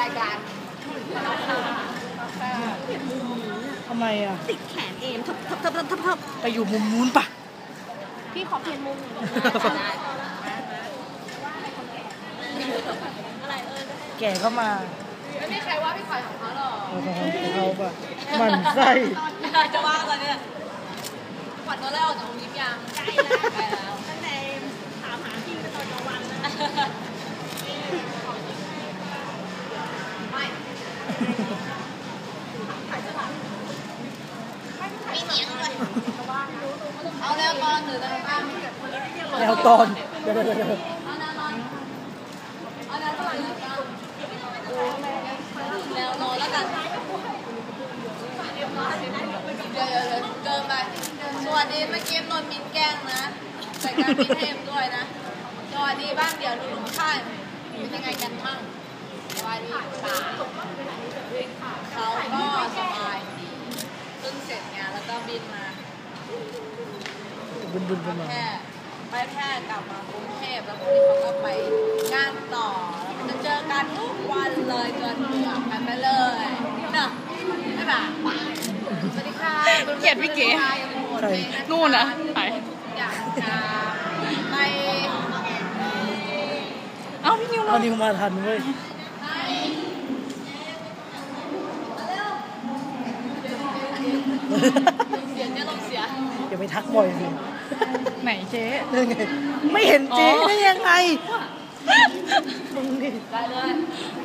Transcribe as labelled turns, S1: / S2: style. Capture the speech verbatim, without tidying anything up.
S1: ายการ
S2: ทำไมอ่ะ
S1: ติดแขนเอมทับทับทับทับทับทับ
S2: ไปอยู่มุมนู้นปะ
S1: พี่ขอเปลี่ยนมุม
S2: แก่เข้ามา
S1: ไม่มีใครว่าพี่ขวัญของเขาหรอก
S2: เขาปะมันไส้
S1: จะว่าอะไรเนี่ยขวัญโดนไล่ออกจากโรงยิมยังใกล้แล้วใกล้แล้วตั้งแต่ถามหาพี่ไปตอนกลางวันนะไม่มีเหนียงเลยเอาแล้วตอนหรือตอนกลาง
S2: แล้วตอนเดี๋ยวเดี๋ยวเดี๋ยว
S1: เอาแล้วนอนเอาแล้วตอนหรือกลางแล้วนอนแล้วกันเดี๋ยวเดี๋ยวเกินไปสวัสดีเมื่อกี้นนมินแกล้งนะใส่การมินเทมด้วยนะสวัสดีบ้างเดี๋ยวดูลุงข้างเป็นยังไงกันมั่งสวัสดีป่าเขาก็สบายดีเพิ่งเสร็จงานแล้วก็บินมา
S2: บุญบุญกันมา
S1: แค่ไปแค่กลับมากรุงเทพแล้วพรุ่งนี้เขาก็ไปงานต่อแล้วจะเจอกันทุกวันเลยจนเบื่อกันไปเลยเนอะไม่แบบสวัสดีค่ะ
S3: เกลียดพี่เก๋นู่นนะไป
S1: อยากจะไป
S3: เอาพี่นิว
S2: เอานิวมาทันเว้ย
S1: เสียงเนี่ยลงเสีย
S2: อย่าไปทักบ่อยสิ
S3: ไหนเจ๊
S2: ไม่เห็นเจ๊ได้ยังไง
S1: ได้เลย